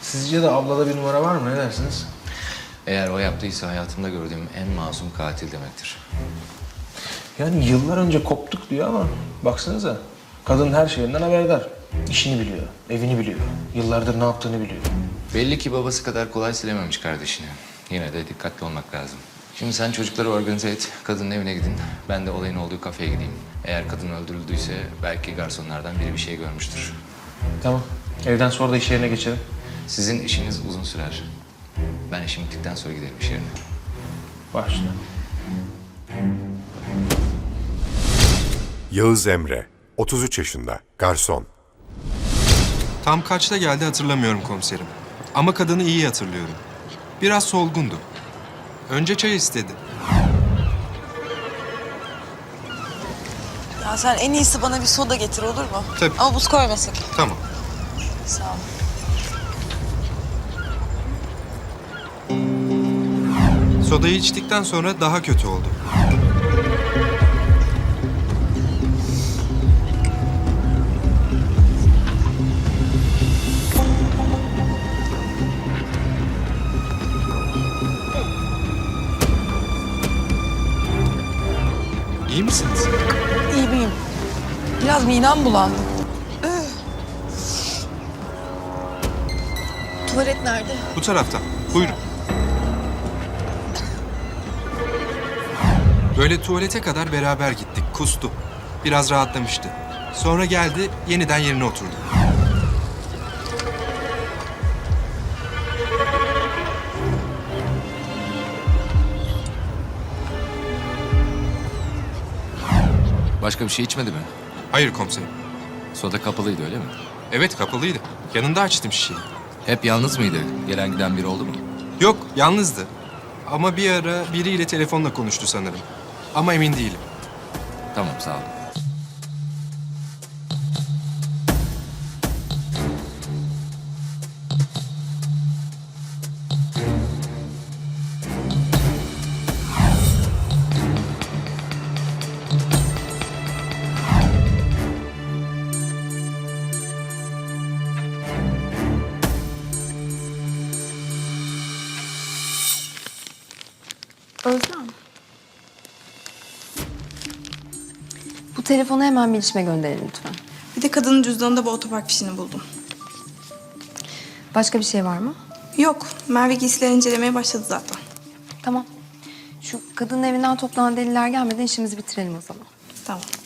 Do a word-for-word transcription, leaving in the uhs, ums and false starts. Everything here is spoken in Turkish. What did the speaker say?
Sizce de ablada bir numara var mı? Ne dersiniz? Eğer o yaptıysa hayatımda gördüğüm en masum katil demektir. Yani yıllar önce koptuk diyor ama baksanıza. Kadın her şeyinden haberdar. İşini biliyor, evini biliyor. Yıllardır ne yaptığını biliyor. Belli ki babası kadar kolay silememiş kardeşini. Yine de dikkatli olmak lazım. Şimdi sen çocukları organize et, kadının evine gidin. Ben de olayın olduğu kafeye gideyim. Eğer kadın öldürüldüyse belki garsonlardan biri bir şey görmüştür. Tamam. Evden sonra da iş yerine geçelim. Sizin işiniz uzun sürer. Ben işim bittikten sonra giderim iş yerine. Başla. Yağız Emre, otuz üç yaşında, garson. Tam kaçta geldi hatırlamıyorum komiserim. Ama kadını iyi hatırlıyorum. Biraz solgundu. Önce çay istedi. Ya sen en iyisi bana bir soda getir olur mu? Tabii. Ama buz koyma sakın. Tamam. Sağ ol. Sodayı içtikten sonra daha kötü oldu. İyi misiniz? İyi miyim? Biraz midem bulandı. Üh. Tuvalet nerede? Bu taraftan. Buyurun. Böyle tuvalete kadar beraber gittik. Kustu. Biraz rahatlamıştı. Sonra geldi, yeniden yerine oturdu. Başka bir şey içmedi mi? Hayır komiserim. Soda kapalıydı öyle mi? Evet, kapalıydı. Yanında açtım şişeyi. Hep yalnız mıydı? Gelen giden biri oldu mu? Yok, yalnızdı. Ama bir ara biriyle telefonla konuştu sanırım. Ama emin değilim. Tamam sağ ol. Özlem. Bu telefonu hemen bilişime gönderelim lütfen. Bir de kadının cüzdanında bu otopark fişini buldum. Başka bir şey var mı? Yok, Merve giysileri incelemeye başladı zaten. Tamam. Şu kadının evinden toplanan deliller gelmeden işimizi bitirelim o zaman. Tamam.